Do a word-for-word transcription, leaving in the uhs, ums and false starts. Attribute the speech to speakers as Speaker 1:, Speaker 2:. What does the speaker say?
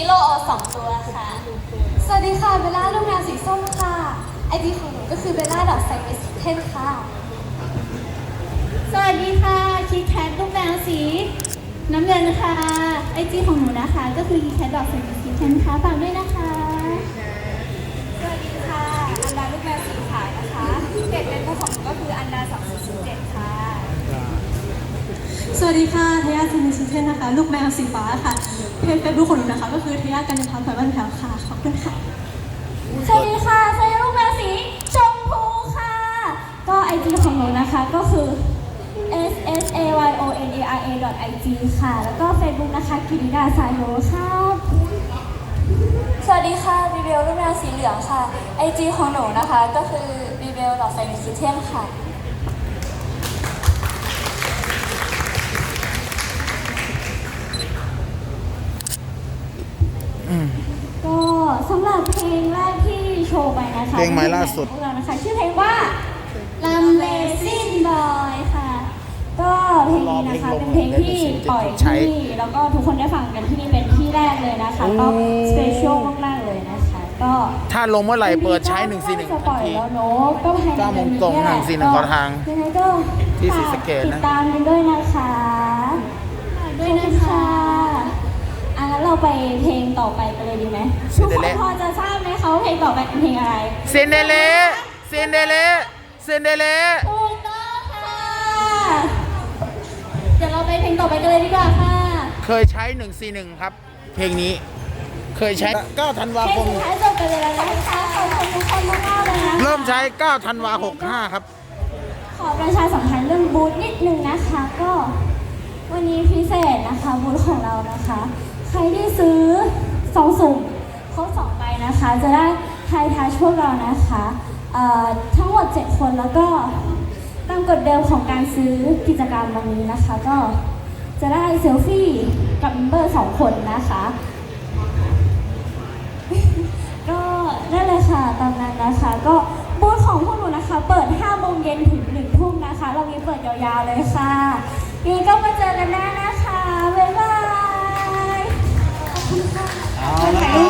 Speaker 1: โลโอสองตัวค่ะสวัสดีค่ะเบลล่าลูกแมวสีส้มค่ะไอจีของหนูก็คือเบลล่าดอทไซมิสเทนค่ะ
Speaker 2: สวัสดีค่ะคิดแคทลูกแมวสีน้ำเงินค่ะไอจีของหนูนะคะก็คือคิดแคทดอกสีคิดแคทค่ะฝากด้วยนะคะ
Speaker 1: สวัสดีค่ะอันดาลูกแมวสีขาวนะคะเพจเฟซบุ๊กของหนูก็คืออันดาสองศูนย์ศูนย์เจ็ดค่ะ
Speaker 3: สวัสดีค่ะเทย่าซินิชิเทนนะคะลูกแมวสีฟ้าค่ะเพจเฟซบุ๊กของหนูนะคะก็คือเทย่ากันยพัฒน์ไผ่บ้านแถวค่ะขอบคุณค่ะ
Speaker 2: สวัสดีค่ะเซลูกแมวสีชมพูค่ะก็ไอจีของหนูนะคะก็คือ s s a y o n a r a i g ค่ะแล้วก็ Facebook นะคะกิริดาสายโยค่ะ
Speaker 1: สวัสดีค่ะบีเบลลูกแมวสีเหลืองค่ะไอจีของหนูนะคะก็คือบีเบลดอทไซมิสเทนค่ะ
Speaker 2: ก็สำหรับเพลงแรกที่โชว์ไปนะคะ
Speaker 4: เพลงใหม่ล่าสุด
Speaker 2: พวกเรานะคะชื่อเพลงว่า Amazing Boy ค่ะก็เพลงนี้นะคะเป็นเพลงที่ปล่อยที่นี่แล้วก็ทุกคนได้ฟังกันที่นี่เป็นที่แรกเลยนะคะก็สเปเชียลมากๆเลยนะคะก็
Speaker 4: ถ้าลงเมื่อไหร่เปิดใช้หนึ่งสี่หนึ่ง
Speaker 2: จะป
Speaker 4: ทั
Speaker 2: ล่
Speaker 4: น
Speaker 2: อย
Speaker 4: ที
Speaker 2: แล้วเนอะก็ภายใน
Speaker 4: เก้าโมงตรง
Speaker 2: เดือ
Speaker 4: หนึ่งสี่หนึ่งขอทาง
Speaker 2: ยังไงก็
Speaker 4: ที่ศรีสะเกษนะ
Speaker 2: ติดตามกันด้วยนะคะด้วยนะคะอ่ะงั้นเราไปเพลงต่อไปกันเลยดีไหมทุกคนพอจะทราบไหมคะว่าเพลงต่อไปเป็นเพลงอะไร
Speaker 4: เซนเดเลเซนเดเลเซนเดเล
Speaker 2: ถูกต้องค่ะเดี๋ยวเราไปเพลงต่อไปกันเลยดีกว่าค่ะ
Speaker 4: เคยใช้หนึ่งสี่หนึ่งครับ เพลงนี้เคยใช้เก้าธันวา
Speaker 2: เพล
Speaker 4: ค
Speaker 2: ง
Speaker 4: ม
Speaker 2: สุดท้ายจบกันเลยแล้วนะคะขอบคุณทุกคนมากๆเลยนะคะ
Speaker 4: เริ่มใช้เก้าธันวาหกห้าครับ
Speaker 2: ขอประชาสัมพันธ์เรื่องบูธนิดนึงนะคะก็วันนี้พิเศษนะคะบูธของเรานะคะ ใครที่ซื้อสองสุ่มครบสองใบนะคะจะได้ไทยทัชพวกเรานะคะเอ่อทั้งหมดเจ็ดคนแล้วก็ตามกฎเดิมของการซื้อกิจกรรมวันนี้นะคะก็จะได้เซลฟี่กับเมมเบอร์สองคนนะคะก็นั่นเลยค่ะตามนั้นนะคะก็บูธของพวกหนูนะคะเปิดห้าโมงเย็นถึงหนึ่งทุ่มนะคะเรามีเปิดยาวๆเลยค่ะยังไงก็มาเจอกันได้นะคะบ๊ายบายขอบคุณค่ะ